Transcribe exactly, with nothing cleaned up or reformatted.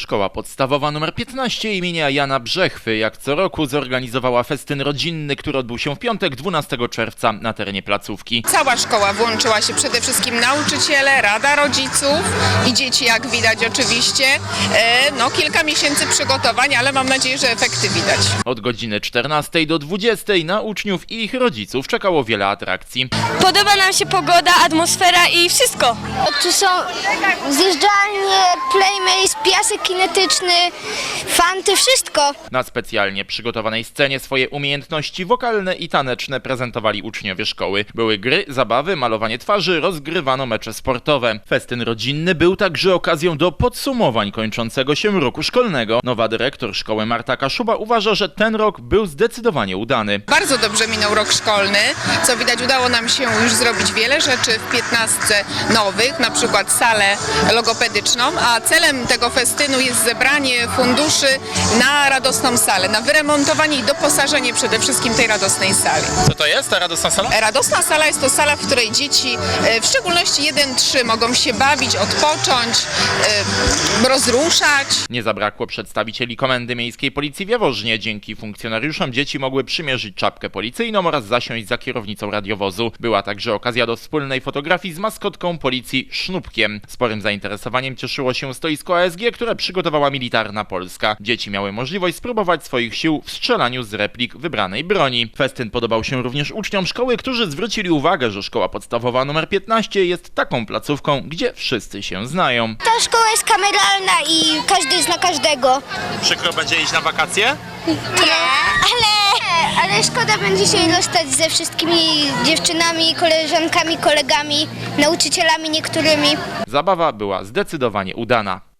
Szkoła podstawowa numer piętnaście imienia Jana Brzechwy jak co roku zorganizowała festyn rodzinny, który odbył się w piątek dwunastego czerwca na terenie placówki. Cała szkoła włączyła się, przede wszystkim nauczyciele, rada rodziców i dzieci, jak widać oczywiście. E, no kilka miesięcy przygotowań, ale mam nadzieję, że efekty widać. Od godziny czternastej do dwudziestej na uczniów i ich rodziców czekało wiele atrakcji. Podoba nam się pogoda, atmosfera i wszystko. Tu są zjeżdżalnie, playmates, piasek kinetyczny, fanty, wszystko. Na specjalnie przygotowanej scenie swoje umiejętności wokalne i taneczne prezentowali uczniowie szkoły. Były gry, zabawy, malowanie twarzy, rozgrywano mecze sportowe. Festyn rodzinny był także okazją do podsumowań kończącego się roku szkolnego. Nowa dyrektor szkoły Marta Kaszuba uważa, że ten rok był zdecydowanie udany. Bardzo dobrze minął rok szkolny. Co widać, udało nam się już zrobić wiele rzeczy w piętnastce nowych, na przykład salę logopedyczną, a celem tego festynu jest zebranie funduszy na radosną salę, na wyremontowanie i doposażenie przede wszystkim tej radosnej sali. Co to jest ta radosna sala? Radosna sala jest to sala, w której dzieci, w szczególności jeden trzy, mogą się bawić, odpocząć, rozruszać. Nie zabrakło przedstawicieli Komendy Miejskiej Policji w Jaworznie. Dzięki funkcjonariuszom dzieci mogły przymierzyć czapkę policyjną oraz zasiąść za kierownicą radiowozu. Była także okazja do wspólnej fotografii z maskotką policji Sznupkiem. Sporym zainteresowaniem cieszyło się stoisko A S G, które przygotowała Militarna Polska. Dzieci miały możliwość spróbować swoich sił w strzelaniu z replik wybranej broni. Festyn podobał się również uczniom szkoły, którzy zwrócili uwagę, że szkoła podstawowa numer piętnaście jest taką placówką, gdzie wszyscy się znają. Ta szkoła jest kameralna i każdy zna każdego. Przykro będzie iść na wakacje? Nie, ale, ale szkoda będzie się rozstać ze wszystkimi dziewczynami, koleżankami, kolegami, nauczycielami niektórymi. Zabawa była zdecydowanie udana.